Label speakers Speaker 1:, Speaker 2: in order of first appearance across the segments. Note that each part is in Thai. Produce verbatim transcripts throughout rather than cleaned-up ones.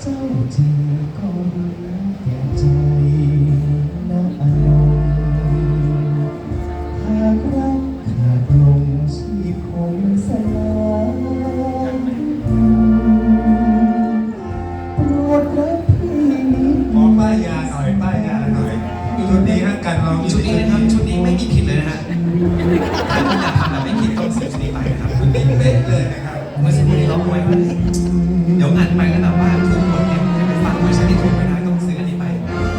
Speaker 1: เจ้าเจอก็รู้แก่ใจนะอนงหากรักขาดลงชีพคงสลายโปรดรับพี่นิด
Speaker 2: ขอป้ายยาหน่อยป้ายยาหน่อยชุดนี้ฮะการลอง
Speaker 3: ชุดนี้นะครับชุดนี้ไม่มีผิดเลยนะฮะถ้าคุณอยากทำแบบไม่ผิดต้องซื้อชุดนี้ไปนะครับชุดนี้
Speaker 2: เป๊ะเลยนะครับ
Speaker 3: เมื่อสักครู่นี้เราคุยว่าเดี๋ยวอ่านไปแล้วแบบว่าถูกหมดเนี่ยจะไปฟังเวอร์ชันที่ถูกไม่ได้ต้องซื้ออันนี้ไป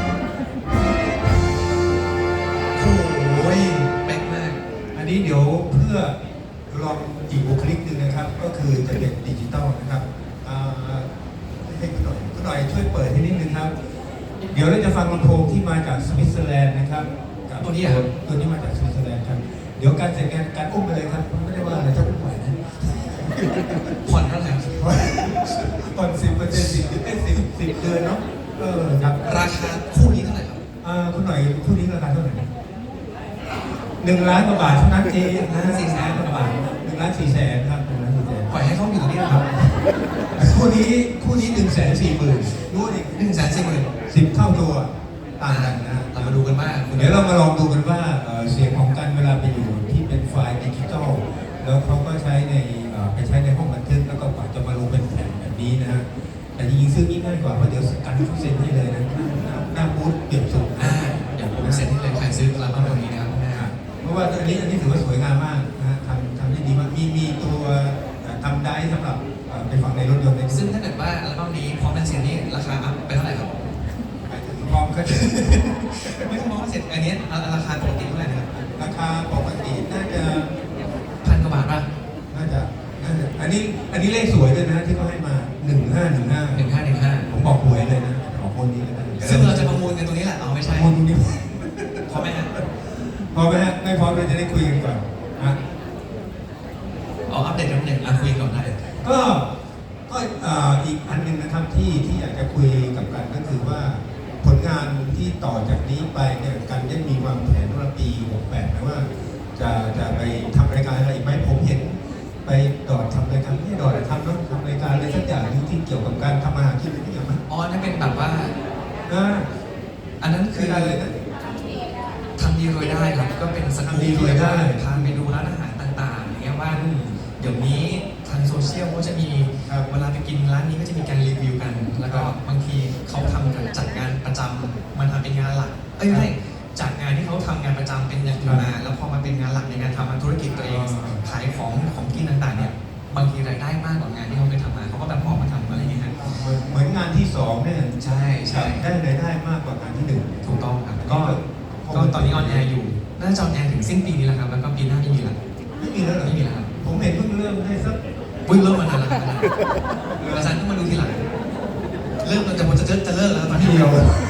Speaker 3: โอ้ยเป๊ะมาก
Speaker 2: อันนี้เดี๋ยวเพื่อลองอีกบุคลิกหนึ่งนะครับ ก็คือจะเป็นดิจิตอลนะครับอ่าให้คุณหน่อยคุณหน่อยช่วยเปิดให้นิดนึงครับ เดี๋ยวเราจะฟังลำโพงที่มาจากสวิตเซอร์แลนด์นะครับกับ
Speaker 3: ตัวนี้ครับ
Speaker 2: ตัวนี้มาจากสวิตเซอร์แลนด์ครับเดี๋ยวการเสร็จงานการอุ้มไปเลยครับไม่ได้ว่าอะไรจะอุ้มไหวนะ
Speaker 3: ผ่อนเท่าไหร่ครับ
Speaker 2: ผ่อนสิบเปอร์เซ็นต์สิบเอ้ยสิบสิบเดือนเนาะเออครับ
Speaker 3: ราคาคู่นี้เท่าไหร่ครับ
Speaker 2: อ่าคุณหน่อยคู่นี้ราคาเท่าไหร่หนึ่งล้านกว่าบาทเท่านั้นเองนะสี่แสนกว่าบาทหนึ่งล้านสี่แสนครับหนึ่งล้านสี่แสน
Speaker 3: ปล่อยให้เขาอยู่ตรงนี้นะครับ
Speaker 2: คู่นี้คู่นี้หนึ่งแสนสี่หมื่นรู้ดิ
Speaker 3: หนึ่งแสนสี่หมื่น
Speaker 2: สิบเท่าตัวต่างกันนะ
Speaker 3: เรามาดูกันว่าคุณ
Speaker 2: เดี๋ยวเรามาลองดูกันว่าเอ่อเสียงของกันเวลาไปอยู่ที่เป็นไฟล์ดิจิตอลแล้วเขาก็ใช้ในเอ่อไปใช้ในห้องบันทึกแล้วก็กว่าจะมาลงเป็นแผ่นแบบนี้นะฮะแต่จริงๆซื้อนี่ง่ายกว่าเพราะเดี๋ยวกันเขาเซ็นให้เลยนะหน้าหน้าบูธเปลี่ยนสูง
Speaker 3: อ่าเดี๋ยวผมเซ็นให้เลยใครซื้ออัลบั้มตัวนี้นะครับแม่ครับ
Speaker 2: เพราะว่าอันนี้อันนี้ถือว่าสวยงามมากนะฮะทำทำได้ดีมากมีมีตัวทำได้สำหรับเอ่อไปฝังในรถยนต์ใน
Speaker 3: ซึ่งถ้าเกิดว่าอัลบั้มนี้พร้อมเป็นเสียงนี้ราคาอัพไปเท่าไหร่ครับ
Speaker 2: หมายถึงพร้อมก็จะ
Speaker 3: ไม่ต้องมองว่าเสร็จอันนี้ราคาปกติเท่าไหร่นะครับ
Speaker 2: ราคาปกติน่าจะ
Speaker 3: พันกว่าบาทป่ะ
Speaker 2: น่าจะน่าจะอันนี้อันนี้เลขสวยด้วยนะที่เขาให้มาหนึ่งห้าหนึ่งห้า
Speaker 3: หนึ่งห้าหนึ่งห้า
Speaker 2: ผมบอกหวยเลยนะบอกคนนี้เลยนะ
Speaker 3: ซึ่งเราจะประมูลกันตรงนี้แหละเอาไม่ใช่
Speaker 2: คนนี้
Speaker 3: พอไหมฮะ
Speaker 2: พอไหมฮะไม่พร้อมเราจะได้คุยกันก่อนนะ
Speaker 3: เอาอัปเดตกันหนึ่งอ่ะคุยก่อนได้
Speaker 2: ก็ก็เอ่ออีกอันหนึ่งนะครับที่ที่อยากจะคุยกับกันก็คือว่าผลงานที่ต่อจากนี้ไปเนี่ยกันยังมีวางแผนว่าปีหกแปดนะว่าจะจะไปทำรายการอะไรอีกไหมผมเห็นไปดอดทำรายการไม่ใช่ดอดแต่ทำแล้วทำรายการอะไรสักอย่างหนึงที่เกี่ยวกับการทำอาหารกินอะไรอย่างเงี้ย
Speaker 3: อ๋อนั่นเป็นแบบว่า
Speaker 2: นะ
Speaker 3: อันนั้น
Speaker 2: คื
Speaker 3: คือ อ
Speaker 2: อะไรนะ
Speaker 3: ทำดีรวยได้ครับ ก็เป็นสกู๊ป
Speaker 2: ทำดีรวยได้
Speaker 3: พาไปดูร้านอาหารต่างๆอย่างเงี้ยว่าเดี๋ยวนี้ทางโซเชียลก็จะมี
Speaker 2: ครับ
Speaker 3: เวลาไปกินร้านนี้ก็จะมีการรีวิวกัน แล้วก็บางทีเขาทำกันจัดงานประจำมันทำเป็นงานหลัก เอ้ยไม่ใช่จากงานที่เขาทำงานประจำเป็นอย่างอื่นมา แล้วพอมาเป็นงานหลักในการทำธุรกิจตัวเอง ขายของของกินต่างๆเนี่ยบางทีรายได้มากกว่างานที่เขาเคยทำมาเขาก็แบบออกมาทำอะไรอย่างเงี้ยฮะ
Speaker 2: เหมือนงานที่สองเนี่ย
Speaker 3: ใช่ใช่
Speaker 2: ได้รายได้มากกว่างานที่หนึ่ง
Speaker 3: ถูกต้องครับก็ก็ตอนนี้ออนแอร์อยู่น่าจะออนแอร์ถึงสิ้นปีนี้แหละครับแล้วก็ปีหน้าไม่มีแล้ว
Speaker 2: ไม่มีแล้วเหรอ
Speaker 3: ไม่มีแล้วครับ
Speaker 2: ผมเห็นเพิ่งเริ่มได้สัก
Speaker 3: วิ่งเริ่มมานานแล้วครับอาจารย์ต้องมาดูทีหลังเริ่มเราจะจะจะจะเลิกแล้วตอนนี้
Speaker 2: เดียว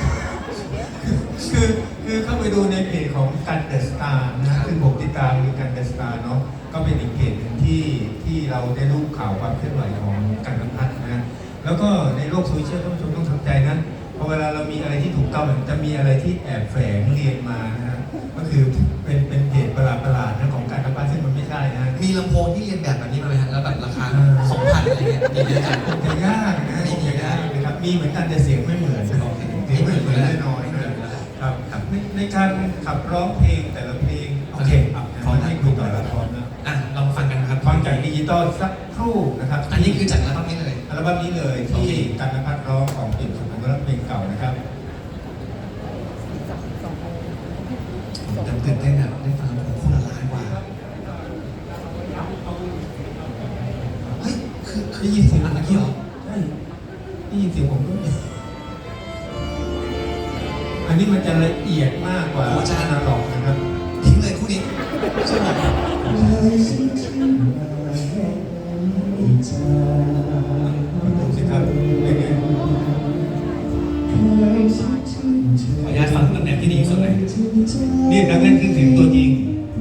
Speaker 2: คือคือเข้าไปดูในเพจของกันเดอะสตาร์นะซึ่งผมติดตามคือกันเดอะสตาร์เนาะก็เป็นอีกเพจหนึ่งที่ที่เราได้รู้ข่าวความเคลื่อนไหวของกันนภัทรนะ แล้วก็ในโลกโซเชียลท่านผู้ชมต้องทำใจนะพอเวลาเรามีอะไรที่ถูกต้องจะมีอะไรที่แอบแฝงเรียนมานะฮะก็คือเป็นเป็นเพจประหลาดประหลาดๆนะของการนภัทรซึ่งมันไม่ใช่นะ
Speaker 3: มีลำโพงที่เรียนแบบแบบนี้มาไหมฮะแล้วแบบราคาสองพันอะไรเงี้ยมีเยอะจัง
Speaker 2: จะยากนะมียากนะครับมีเหมือนกันแต่เสียงไม่เหมือนเสียงไม่เหมือนแน่นอนนะครับในในการขับร้องเพลงแต่ละเพลงโอเคพร้อมให้คุยต่อแล้วพร้อมนะ
Speaker 3: อ่ะลองฟังกันครับ
Speaker 2: ฟังจากดิจิตอลสักครู่นะครับ
Speaker 3: อันนี้คือจากอัลบั้มนี้เลย
Speaker 2: อัลบั้มนี้เลยที่กันนภัทรร้องของปิ่นสุพรรณรัตน์เพลงเก่านะครับ
Speaker 3: แต่ตื่นเต้นอะได้ฟังผมคู่ละล้านกว่าเฮ้ยคือคือได้ยินเสียงอันเมื่อกี้เหรอ
Speaker 2: ใช่ได้ยินเสียงผมด้วยอันนี้มันจะละเอียดมากกว่าอาจารย์นาหลอกนะครับ
Speaker 3: ทิ้งเลยคู่นี้ใช่ไหม
Speaker 2: ดูสิครับเป็นไง
Speaker 3: ขออนุญาตฟังตำแหน่งที่ดีที่สุดเลย
Speaker 2: นี่นักเล่นเครื่องเสียงตัวจริง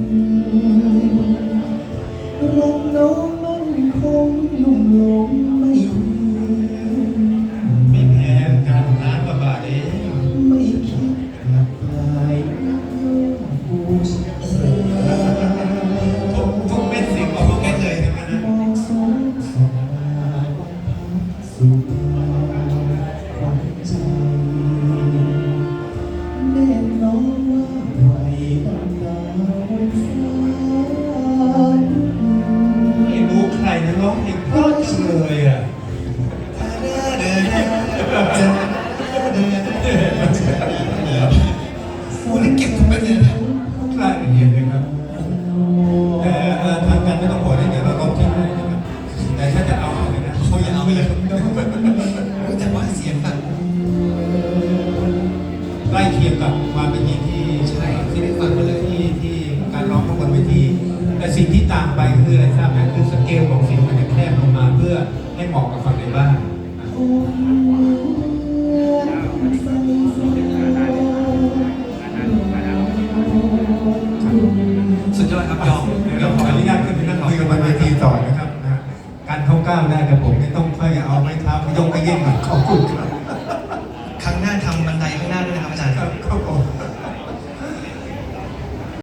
Speaker 1: รักน้องมันคงลุ่มหลงไม่เพียง
Speaker 2: ไม่แพ้การล้านกว่าบาทเอง
Speaker 1: ไม่คิดกลับกลายบูชา
Speaker 2: ทุกทุกเม็ดเสียงออกมาเม็ดเลยใช่ไหมนะ
Speaker 1: มองสงสารสุด
Speaker 2: เลยอ่ะ
Speaker 3: โอ้นี่เก็บทุกเม็ดเลยนะ
Speaker 2: รายละเอียดเลยครับแต่เอ่อทางการไม่ต้องบอกได้เดี๋ยวเราลบทิ้งให้นะครับแต่ถ้าจะเอาเอาเลยนะ
Speaker 3: เขาอย่าเอาไปเลยแต่ว่าเสียงแบบ
Speaker 2: ใกล้เคียงกับความเป็นจริงที่
Speaker 3: ใช่ที่ได้ฟังมาเลย
Speaker 2: ที่ที่การร้องข้างบนเวทีแต่สิ่งที่ต่างไปคืออะไรทราบไหมคือสเกลของเสียงมันจะแคบลงมาเพื่อให้เหมาะกับฟังในบ้าน
Speaker 3: สุดยอดครับยอม
Speaker 2: เดี๋ยวเราขออนุญาตขึ้นไปนั่งคุยกันบนเวทีต่อนะครับนะการเข้าก้าวได้กับผมไม่ต้องค่อยเอาไม้เท้าไปยกไปเย่งหน่อยขอบคุณครับ
Speaker 3: ครั้งหน้าทำบันไดข้างหน้าด้วยนะครับอาจารย์
Speaker 2: ครับครับผ